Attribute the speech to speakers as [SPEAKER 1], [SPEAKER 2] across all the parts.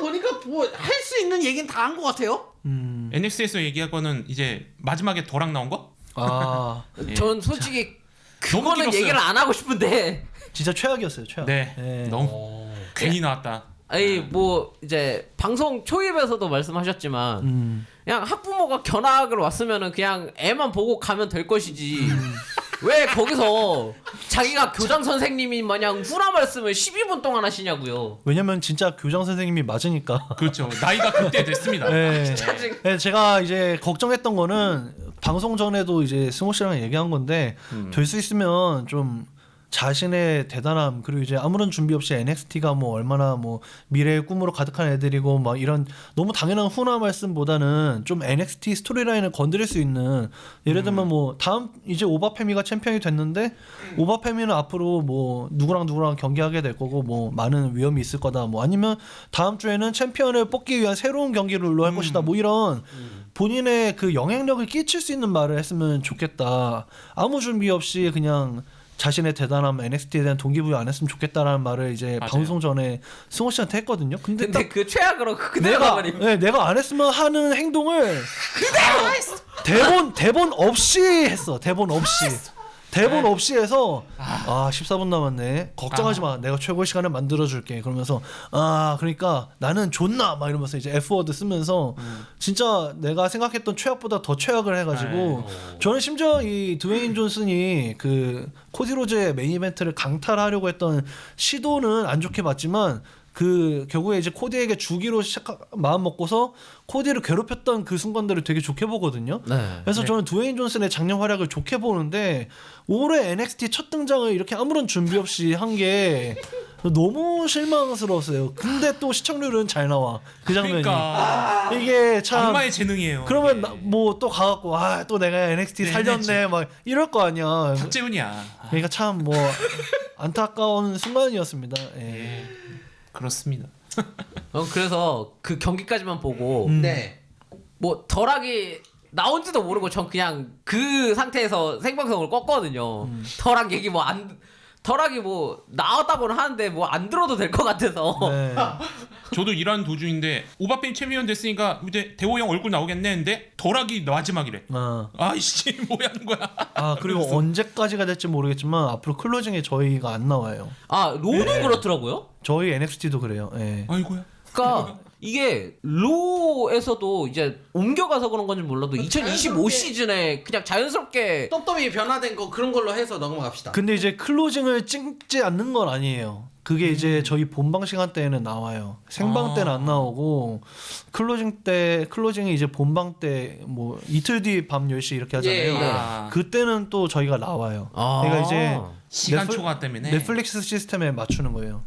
[SPEAKER 1] 보니까 뭐 할 수 있는 얘기는 다 한 것 같아요.
[SPEAKER 2] NX에서 얘기할 거는 이제 마지막에 더락 나온 거?
[SPEAKER 3] 아
[SPEAKER 2] 예.
[SPEAKER 4] 전 솔직히
[SPEAKER 2] 너무
[SPEAKER 4] 그거는
[SPEAKER 2] 길었어요.
[SPEAKER 4] 얘기를 안 하고 싶은데
[SPEAKER 3] 진짜 최악이었어요. 최악.
[SPEAKER 2] 네.
[SPEAKER 3] 예.
[SPEAKER 2] 너무 괜히 나왔다.
[SPEAKER 4] 아니 뭐 이제 방송 초입에서도 말씀하셨지만 그냥 학부모가 견학을 왔으면은 그냥 애만 보고 가면 될 것이지 왜 거기서 자기가 교장 선생님이 마냥 후라 말씀을 12분 동안 하시냐고요.
[SPEAKER 3] 왜냐면 진짜 교장 선생님이 맞으니까.
[SPEAKER 2] 그렇죠. 나이가 그때 됐습니다.
[SPEAKER 3] 네. 네, 제가 이제 걱정했던 거는 방송 전에도 이제 승호 씨랑 얘기한 건데 될 수 있으면 좀 자신의 대단함 그리고 이제 아무런 준비 없이 NXT가 뭐 얼마나 뭐 미래의 꿈으로 가득한 애들이고 막 이런 너무 당연한 훈화 말씀보다는 좀 NXT 스토리라인을 건드릴 수 있는 예를 들면 뭐 다음 이제 오바페미가 챔피언이 됐는데 오바페미는 앞으로 뭐 누구랑 경기하게 될 거고 뭐 많은 위험이 있을 거다 뭐 아니면 다음 주에는 챔피언을 뽑기 위한 새로운 경기를 할 것이다 뭐 이런 본인의 그 영향력을 끼칠 수 있는 말을 했으면 좋겠다. 아무 준비 없이 그냥 자신의 대단함 NXT에 대한 동기부여 안 했으면 좋겠다라는 말을 이제
[SPEAKER 2] 맞아요.
[SPEAKER 3] 방송 전에 승호 씨한테 했거든요. 근데 딱
[SPEAKER 4] 그 최악으로 그대로
[SPEAKER 3] 내가
[SPEAKER 4] 가버리면
[SPEAKER 3] 내가 안 했으면 하는 행동을 대본 없이 했어. 대본 없이 해서 14분 남았네. 걱정하지 마. 내가 최고의 시간을 만들어 줄게. 그러면서 그러니까 나는 존나 막 이러면서 이제 F워드 쓰면서 진짜 내가 생각했던 최악보다 더 최악을 해가지고 저는 심지어 이 드웨인 존슨이 그 코디 로즈의 메인 이벤트를 강탈하려고 했던 시도는 안 좋게 봤지만 그 결국에 이제 코디에게 주기로 마음 먹고서 코디를 괴롭혔던 그 순간들을 되게 좋게 보거든요.
[SPEAKER 4] 네.
[SPEAKER 3] 그래서 저는 드웨인 존슨의 작년 활약을 좋게 보는데 올해 NXT 첫 등장을 이렇게 아무런 준비 없이 한 게 너무 실망스러웠어요. 근데 또 시청률은 잘 나와 그 장면이.
[SPEAKER 2] 그러니까
[SPEAKER 3] 이게 참
[SPEAKER 2] 악마의 재능이에요.
[SPEAKER 3] 그러면
[SPEAKER 2] 이게.
[SPEAKER 3] 뭐 또 가갖고 또 내가 NXT
[SPEAKER 2] 네,
[SPEAKER 3] 살렸네 막 이럴 거 아니야.
[SPEAKER 2] 박재훈이야.
[SPEAKER 3] 그러니까 참 뭐 안타까운 순간이었습니다. 예.
[SPEAKER 2] 예. 그렇습니다.
[SPEAKER 4] 그래서 그 경기까지만 보고
[SPEAKER 1] 네.
[SPEAKER 4] 뭐 덜하기 나온지도 모르고 전 그냥 그 상태에서 생방송을 껐거든요. 덜한 얘기 덜하기 뭐 나왔다고는 하는데 뭐 안 들어도 될 것 같아서.
[SPEAKER 3] 네.
[SPEAKER 2] 저도 일하는 도중인데 오바페 챔피언 됐으니까 이제 대호 형 얼굴 나오겠네 했는데 덜하기 마지막이래. 아이씨 뭐야 하는 거야.
[SPEAKER 3] 그리고 언제까지가 될지 모르겠지만 앞으로 클로징에 저희가 안 나와요.
[SPEAKER 4] 로는 그렇더라고요.
[SPEAKER 3] 저희 NXT도 그래요. 예.
[SPEAKER 2] 아이고야.
[SPEAKER 4] 그러니까 이게 로에서도 이제 옮겨가서 그런 건지 몰라도 2025 시즌에 그냥 자연스럽게
[SPEAKER 1] 똠똠이 변화된 거 그런 걸로 해서 넘어갑시다.
[SPEAKER 3] 근데 이제 클로징을 찍지 않는 건 아니에요. 그게 이제 저희 본방 시간 때에는 나와요. 생방 때는 안 나오고 클로징이 이제 본방 때 뭐 이틀 뒤 밤 10시 이렇게 하잖아요.
[SPEAKER 1] 예.
[SPEAKER 3] 그때는 또 저희가 나와요. 그러니까 이제
[SPEAKER 2] 시간 초과 때문에
[SPEAKER 3] 넷플릭스 시스템에 맞추는 거예요.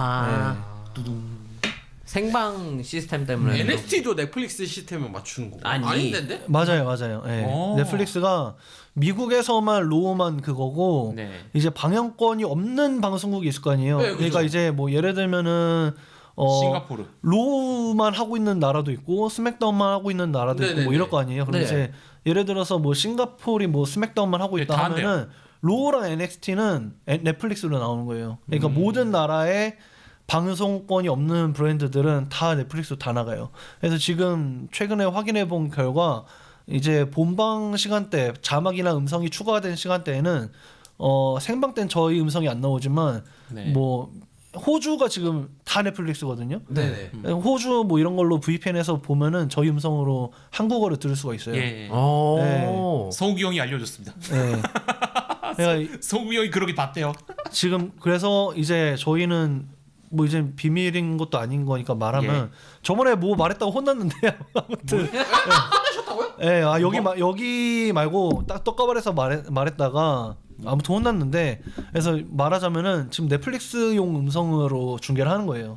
[SPEAKER 4] 생방 시스템 때문에
[SPEAKER 1] NXT도 넷플릭스 시스템에 맞추는 거 아닌데?
[SPEAKER 3] 맞아요. 예. 넷플릭스가 미국에서만 로우만 그거고
[SPEAKER 2] 네.
[SPEAKER 3] 이제 방영권이 없는 방송국이 있을 거 아니에요.
[SPEAKER 1] 네,
[SPEAKER 3] 그러니까
[SPEAKER 1] 그죠.
[SPEAKER 3] 이제 뭐 예를 들면은
[SPEAKER 2] 싱가포르.
[SPEAKER 3] 로우만 하고 있는 나라도 있고 스맥다운만 하고 있는 나라도 있고 뭐
[SPEAKER 1] 네네네.
[SPEAKER 3] 이럴 거 아니에요. 그럼
[SPEAKER 4] 네.
[SPEAKER 3] 이제 예를 들어서 뭐 싱가포르이 뭐 스맥다운만 하고
[SPEAKER 2] 네,
[SPEAKER 3] 있다
[SPEAKER 2] 다 한대요.
[SPEAKER 3] 하면은 로우랑 NXT는 넷플릭스로 나오는 거예요. 그러니까 모든 나라의 방송권이 없는 브랜드들은 다 넷플릭스로 다 나가요. 그래서 지금 최근에 확인해 본 결과 이제 본방 시간대 자막이나 음성이 추가된 시간대에는 생방 땐 저희 음성이 안 나오지만
[SPEAKER 2] 네.
[SPEAKER 3] 뭐 호주가 지금 다 넷플릭스거든요.
[SPEAKER 1] 네네.
[SPEAKER 3] 호주 뭐 이런 걸로 VPN에서 보면은 저희 음성으로 한국어를 들을 수가 있어요.
[SPEAKER 2] 예. 서욱이 형이 알려줬습니다.
[SPEAKER 3] 네. 그러니까
[SPEAKER 2] 서욱이 형이 그러게 봤대요.
[SPEAKER 3] 지금 그래서 이제 저희는 뭐 이제 비밀인 것도 아닌 거니까 말하면 저번에 뭐 말했다고 혼났는데 아무튼
[SPEAKER 1] 하셨다고요?
[SPEAKER 3] 예, 여기 말고 딱 떡가발에서 말했다가 아무튼 혼났는데 그래서 말하자면은 지금 넷플릭스용 음성으로 중계를 하는 거예요.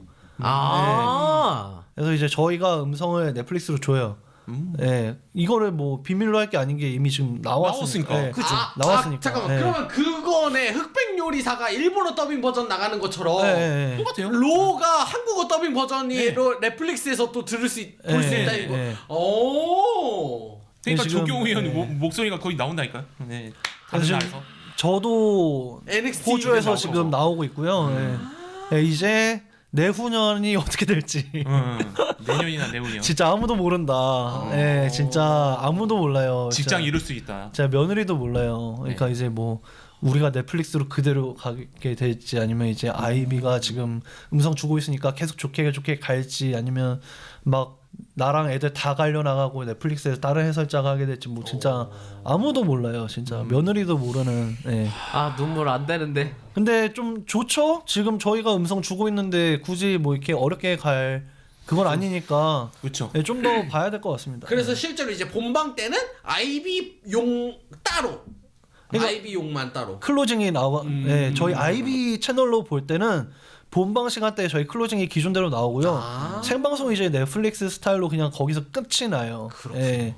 [SPEAKER 3] 그래서 이제 저희가 음성을 넷플릭스로 줘요. 예, 이거를 뭐 비밀로 할 게 아닌 게 이미 지금 나왔으니까. 예,
[SPEAKER 2] 그죠.
[SPEAKER 3] 나왔으니까.
[SPEAKER 1] 잠깐만.
[SPEAKER 3] 예.
[SPEAKER 1] 그러면 그거네 흑백 요리사가 일본어 더빙 버전 나가는 것처럼
[SPEAKER 3] 예.
[SPEAKER 2] 똑같아요.
[SPEAKER 1] 로가 한국어 더빙 버전이 넷플릭스에서 또 볼 수 있다 이거. 오.
[SPEAKER 2] 그러니까
[SPEAKER 3] 지금,
[SPEAKER 2] 조경호 형 목소리가 거의 나온다니까요. 네. 다른
[SPEAKER 3] 지금
[SPEAKER 2] 나라에서.
[SPEAKER 3] 저도
[SPEAKER 1] NXT
[SPEAKER 3] 호주에서
[SPEAKER 2] 나오고.
[SPEAKER 3] 지금 나오고 있고요. 예. 예, 이제 내후년이 어떻게 될지
[SPEAKER 2] 내년이나 내후년.
[SPEAKER 3] 진짜 아무도 모른다. 예, 진짜 아무도 몰라요.
[SPEAKER 2] 직장
[SPEAKER 3] 진짜.
[SPEAKER 2] 이룰 수 있다.
[SPEAKER 3] 제가 며느리도 몰라요. 그러니까 이제 뭐 우리가 넷플릭스로 그대로 가게 될지 아니면 이제 아이비가 지금 음성 주고 있으니까 계속 좋게 갈지 아니면 막 나랑 애들 다 갈려 나가고 넷플릭스에서 다른 해설자가 하게 될지 뭐 진짜 아무도 몰라요. 진짜 며느리도 모르는. 예.
[SPEAKER 4] 아 눈물 안 되는데.
[SPEAKER 3] 근데 좀 좋죠? 지금 저희가 음성 주고 있는데 굳이 뭐 이렇게 어렵게 갈 그건 아니니까
[SPEAKER 2] 그렇죠.
[SPEAKER 3] 네, 좀 더 봐야 될 것 같습니다.
[SPEAKER 1] 그래서 실제로 이제 본방 때는 아이비용 따로.
[SPEAKER 3] 그러니까
[SPEAKER 1] 아이비용만 따로.
[SPEAKER 3] 클로징이 나와. 네, 저희 아이비 채널로 볼 때는 본방 시간대에 저희 클로징이 기존대로 나오고요. 생방송 이제 넷플릭스 스타일로 그냥 거기서 끝이 나요. 네.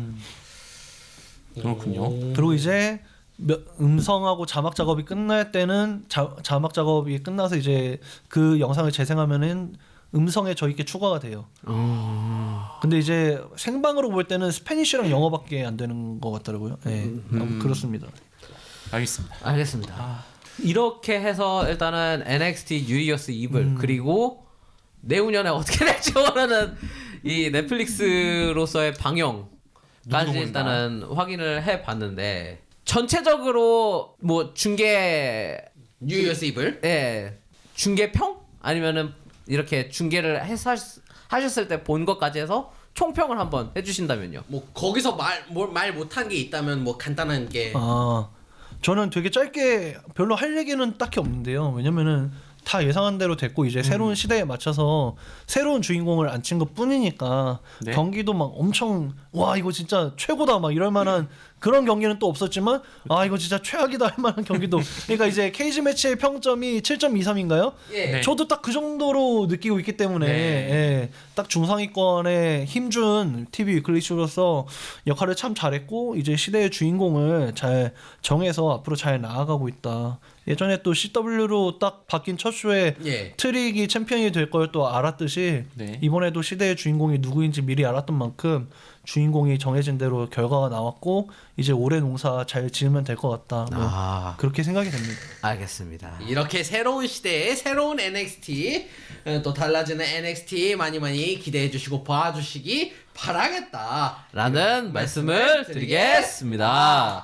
[SPEAKER 2] 그렇군요.
[SPEAKER 3] 그리고 이제 음성하고 자막 작업이 끝날 때는 자막 작업이 끝나서 이제 그 영상을 재생하면은 음성에 저희께 추가가 돼요. 근데 이제 생방으로 볼 때는 스페니쉬랑 영어밖에 안 되는 것 같더라고요. 네, 그렇습니다.
[SPEAKER 2] 알겠습니다.
[SPEAKER 4] 이렇게 해서 일단은 NXT 뉴 이어스 이블 그리고 내후년에 어떻게 될지 모르는 이 넷플릭스로서의 방영까지 일단은 확인을 해봤는데 전체적으로 뭐 중계
[SPEAKER 1] 뉴 이어스 이블?
[SPEAKER 4] 예 중계평 아니면은 이렇게 중계를 하셨을 때 본 것까지 해서 총평을 한번 해주신다면요.
[SPEAKER 1] 뭐 거기서 말 못한 게 있다면 뭐 간단한 게.
[SPEAKER 3] 저는 되게 짧게 별로 할 얘기는 딱히 없는데요. 왜냐면은 다 예상한 대로 됐고 이제 새로운 시대에 맞춰서 새로운 주인공을 앉힌 것 뿐이니까
[SPEAKER 2] 네.
[SPEAKER 3] 경기도 막 엄청 와 이거 진짜 최고다 막 이럴 만한 그런 경기는 또 없었지만 아 이거 진짜 최악이다 할 만한 경기도 그러니까 이제 케이지 매치의 평점이 7.23인가요?
[SPEAKER 1] 예.
[SPEAKER 2] 네.
[SPEAKER 3] 저도 딱 그 정도로 느끼고 있기 때문에 예, 딱 중상위권에 힘준 TV 위클리쇼로서 역할을 참 잘했고 이제 시대의 주인공을 잘 정해서 앞으로 잘 나아가고 있다. 예전에 또 CW로 딱 바뀐 첫 쇼에
[SPEAKER 1] 예.
[SPEAKER 3] 트릭이 챔피언이 될 걸 또 알았듯이
[SPEAKER 2] 네.
[SPEAKER 3] 이번에도 시대의 주인공이 누구인지 미리 알았던 만큼 주인공이 정해진 대로 결과가 나왔고 이제 올해 농사 잘 지으면 될 것 같다. 뭐 그렇게 생각이 됩니다.
[SPEAKER 4] 알겠습니다.
[SPEAKER 1] 이렇게 새로운 시대의 새로운 NXT 또 달라지는 NXT 많이 기대해 주시고 봐주시기 바라겠다.
[SPEAKER 4] 라는 말씀을 드리겠습니다.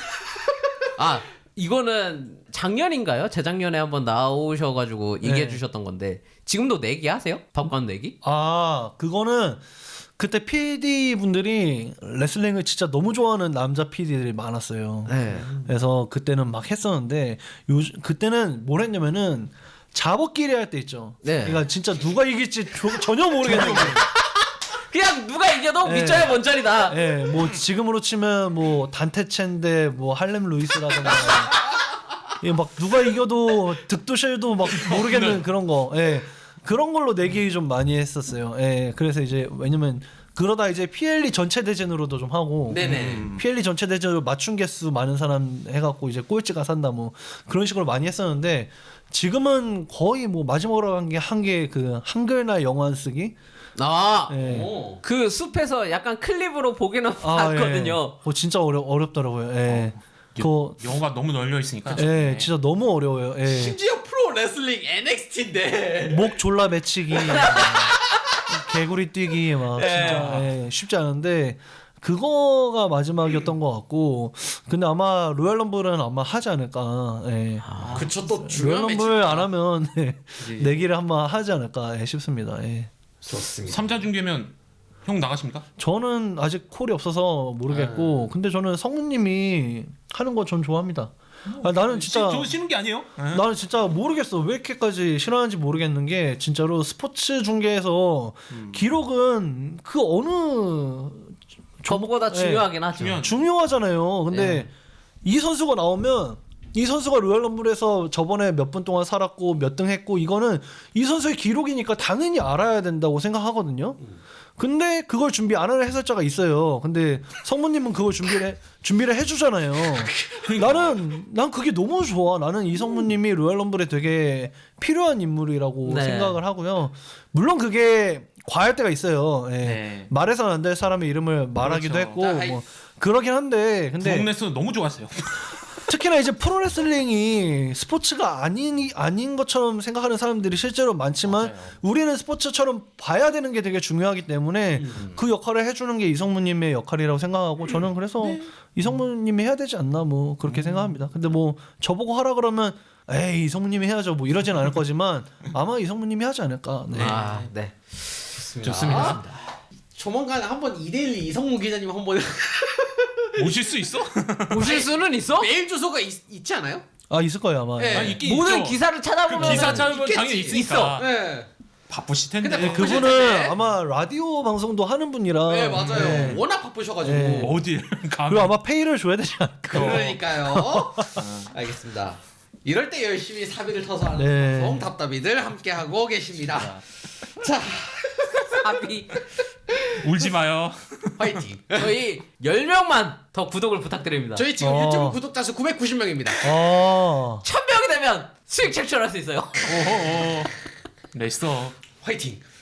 [SPEAKER 4] 아 이거는 작년인가요? 재작년에 한번 나오셔가지고 얘기해 주셨던 건데 지금도 내기 하세요? 밥관 내기?
[SPEAKER 3] 그거는 그때 PD 분들이 레슬링을 진짜 너무 좋아하는 남자 PD들이 많았어요.
[SPEAKER 4] 네.
[SPEAKER 3] 그래서 그때는 막 했었는데 그때는 뭘 했냐면은 잡어끼리 할 때 있죠.
[SPEAKER 4] 네.
[SPEAKER 3] 그러니까 진짜 누가 이길지 전혀 모르겠는 거예요.
[SPEAKER 4] 그냥 누가 이겨도
[SPEAKER 3] 네.
[SPEAKER 4] 밑져야 먼저리다.
[SPEAKER 3] 예, 뭐 지금으로 치면 뭐 단테첸데 뭐 할렘 루이스라든가 예, 막 누가 이겨도 득도실도 막 모르겠는 그런 거. 예. 그런 걸로 내기 좀 많이 했었어요. 예. 그래서 이제 왜냐면 그러다 이제 PLE 전체 대전으로도 좀 하고
[SPEAKER 1] 네네.
[SPEAKER 3] PLE 전체 대전으로 맞춘 개수 많은 사람 해갖고 이제 꼴찌가 산다 뭐 그런 식으로 많이 했었는데 지금은 거의 뭐 마지막으로 한 게 그 한글날 영어 안 쓰기. 예.
[SPEAKER 1] 오.
[SPEAKER 4] 그 숲에서 약간 클립으로 보기는 봤거든요.
[SPEAKER 3] 예. 진짜 어렵더라고요. 예.
[SPEAKER 2] 영어가 너무 널려 있으니까.
[SPEAKER 3] 예, 진짜 너무 어려워요. 예.
[SPEAKER 1] 심지어 프로 레슬링 NXT인데.
[SPEAKER 3] 목 졸라 매치기, 개구리 뛰기 막 진짜 예, 쉽지 않은데 그거가 마지막이었던 것 같고 근데 아마 로얄 럼블은 아마 하지 않을까. 예.
[SPEAKER 1] 그쵸 또
[SPEAKER 3] 로얄
[SPEAKER 1] 중요한
[SPEAKER 3] 럼블 안 하면 내기를 한번 하지 않을까 싶습니다. 예.
[SPEAKER 1] 좋습니다.
[SPEAKER 2] 3자 중계면 형 나가십니까?
[SPEAKER 3] 저는 아직 콜이 없어서 모르겠고 근데 저는 성우님이 하는 거 전 좋아합니다. 나는 진짜
[SPEAKER 2] 쉬는 게 아니에요?
[SPEAKER 3] 나는 진짜 모르겠어 왜 이렇게까지 싫어하는지 모르겠는 게 진짜로 스포츠 중계에서 기록은 그 어느
[SPEAKER 4] 저보다 중요하긴 하죠.
[SPEAKER 3] 중요하잖아요. 근데 이 선수가 나오면 이 선수가 로얄 럼블에서 저번에 몇 분 동안 살았고 몇 등 했고 이거는 이 선수의 기록이니까 당연히 알아야 된다고 생각하거든요. 근데 그걸 준비 안 하는 해설자가 있어요. 근데 성모님은 그걸 준비를 해주잖아요. 난 그게 너무 좋아. 나는 이 성모님이 로얄 럼블에 되게 필요한 인물이라고
[SPEAKER 4] 네.
[SPEAKER 3] 생각을 하고요. 물론 그게 과할 때가 있어요. 예.
[SPEAKER 2] 네.
[SPEAKER 3] 말해서는 안 될 사람의 이름을 말하기도
[SPEAKER 2] 그렇죠.
[SPEAKER 3] 했고 뭐 그러긴 한데 근데
[SPEAKER 2] 부엌내스는 너무 좋았어요.
[SPEAKER 3] 특히나 이제 프로레슬링이 스포츠가 아닌 것처럼 생각하는 사람들이 실제로 많지만 우리는 스포츠처럼 봐야 되는 게 되게 중요하기 때문에 그 역할을 해주는 게 이성무님의 역할이라고 생각하고 저는 그래서 이성무님이 해야 되지 않나 뭐 그렇게 생각합니다. 근데 뭐 저보고 하라 그러면 에이 이성무님이 해야죠 뭐 이러진 않을 거지만 아마 이성무님이 하지 않을까. 네.
[SPEAKER 4] 네.
[SPEAKER 2] 좋습니다.
[SPEAKER 1] 조만간 한번 2대1 이성무 기자님 한번
[SPEAKER 2] 오실 수 있어?
[SPEAKER 4] 보실 수는 있어?
[SPEAKER 1] 메일 주소가 있지 않아요?
[SPEAKER 3] 아 있을 거예요 아마.
[SPEAKER 1] 네.
[SPEAKER 2] 아니, 있긴
[SPEAKER 4] 모든
[SPEAKER 2] 있죠.
[SPEAKER 4] 기사를 찾아보면
[SPEAKER 2] 기사 찾아보면
[SPEAKER 1] 있겠지.
[SPEAKER 2] 당연히 있으니까.
[SPEAKER 1] 네.
[SPEAKER 2] 바쁘실 텐데.
[SPEAKER 1] 근데
[SPEAKER 3] 그분은
[SPEAKER 1] 텐데.
[SPEAKER 3] 아마 라디오 방송도 하는 분이라.
[SPEAKER 1] 네 맞아요.
[SPEAKER 3] 네.
[SPEAKER 1] 워낙 바쁘셔가지고.
[SPEAKER 3] 네.
[SPEAKER 2] 어딜 가?
[SPEAKER 3] 그리고 아마 페이를 줘야 되지 않을까.
[SPEAKER 1] 그러니까요. 알겠습니다. 이럴 때 열심히 사비를 터서 하는
[SPEAKER 3] 네.
[SPEAKER 1] 방송 답답이들 함께 하고 계십니다. 자,
[SPEAKER 4] 합의.
[SPEAKER 2] 울지 마요.
[SPEAKER 1] 화이팅.
[SPEAKER 4] 저희 10명만 더 구독을 부탁드립니다.
[SPEAKER 1] 저희 지금 유튜브 구독자 수 990명입니다.
[SPEAKER 4] 1000명이 되면 수익 창출할 수 있어요.
[SPEAKER 2] 오호. 냈어.
[SPEAKER 1] 화이팅.